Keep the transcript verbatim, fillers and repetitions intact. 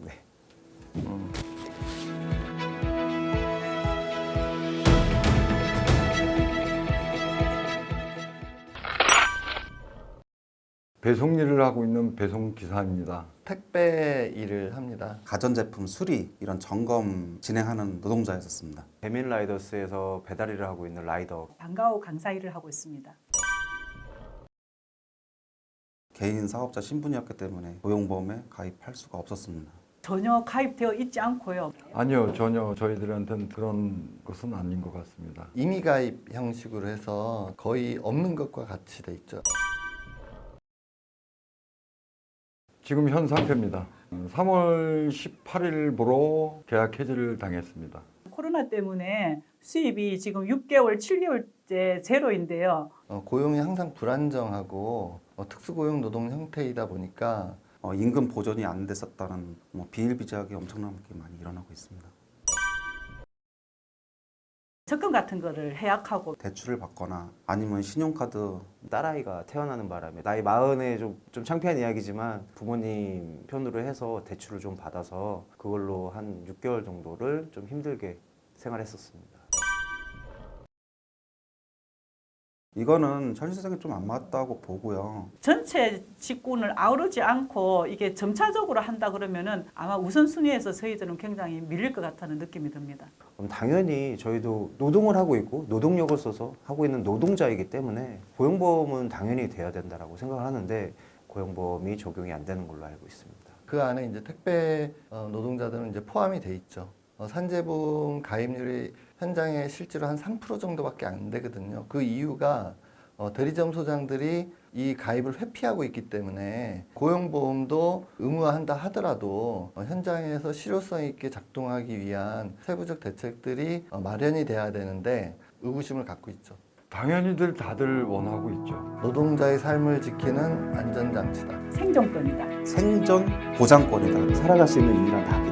네. 음. 배송 일을 하고 있는 배송 기사입니다. 택배 일을 합니다. 가전제품 수리 이런 점검 진행하는 노동자였었습니다. 배민 라이더스에서 배달 일을 하고 있는 라이더. 방과후 강사 일을 하고 있습니다. 개인 사업자 신분이었기 때문에 고용보험에 가입할 수가 없었습니다. 전혀 가입되어 있지 않고요. 아니요, 전혀 저희들한테는 그런 것은 아닌 것 같습니다. 임의 가입 형식으로 해서 거의 없는 것과 같이 돼 있죠. 지금 현 상태입니다. 삼월 십팔일부로 계약 해지를 당했습니다. 코로나 때문에 수입이 지금 육 개월, 칠 개월째 제로인데요. 어, 고용이 항상 불안정하고 어, 특수고용 노동 형태이다 보니까 어, 임금 보전이 안 됐었다는 뭐 비일비재하게 엄청나게 많이 일어나고 있습니다. 적금 같은 거를 해약하고 대출을 받거나 아니면 신용카드 딸아이가 태어나는 바람에 나이 마흔에 좀, 좀 창피한 이야기지만 부모님 편으로 해서 대출을 좀 받아서 그걸로 한 육 개월 정도를 좀 힘들게 생활했었습니다. 이거는 현실성이 좀 안 맞다고 보고요. 전체 직군을 아우르지 않고 이게 점차적으로 한다 그러면은 아마 우선순위에서 저희들은 굉장히 밀릴 것 같다는 느낌이 듭니다. 그럼 당연히 저희도 노동을 하고 있고 노동력을 써서 하고 있는 노동자이기 때문에 고용보험은 당연히 돼야 된다라고 생각을 하는데 고용보험이 적용이 안 되는 걸로 알고 있습니다. 그 안에 이제 택배 어, 노동자들은 이제 포함이 돼 있죠. 어, 산재보험 가입률이 현장에 실제로 한 삼 퍼센트 정도밖에 안 되거든요. 그 이유가 어, 대리점 소장들이 이 가입을 회피하고 있기 때문에 고용보험도 의무화한다 하더라도 어, 현장에서 실효성 있게 작동하기 위한 세부적 대책들이 어, 마련이 돼야 되는데 의구심을 갖고 있죠. 당연히들 다들 원하고 있죠. 노동자의 삶을 지키는 안전장치다. 생존권이다. 생존 보장권이다. 살아갈 수 있는 유일한 답이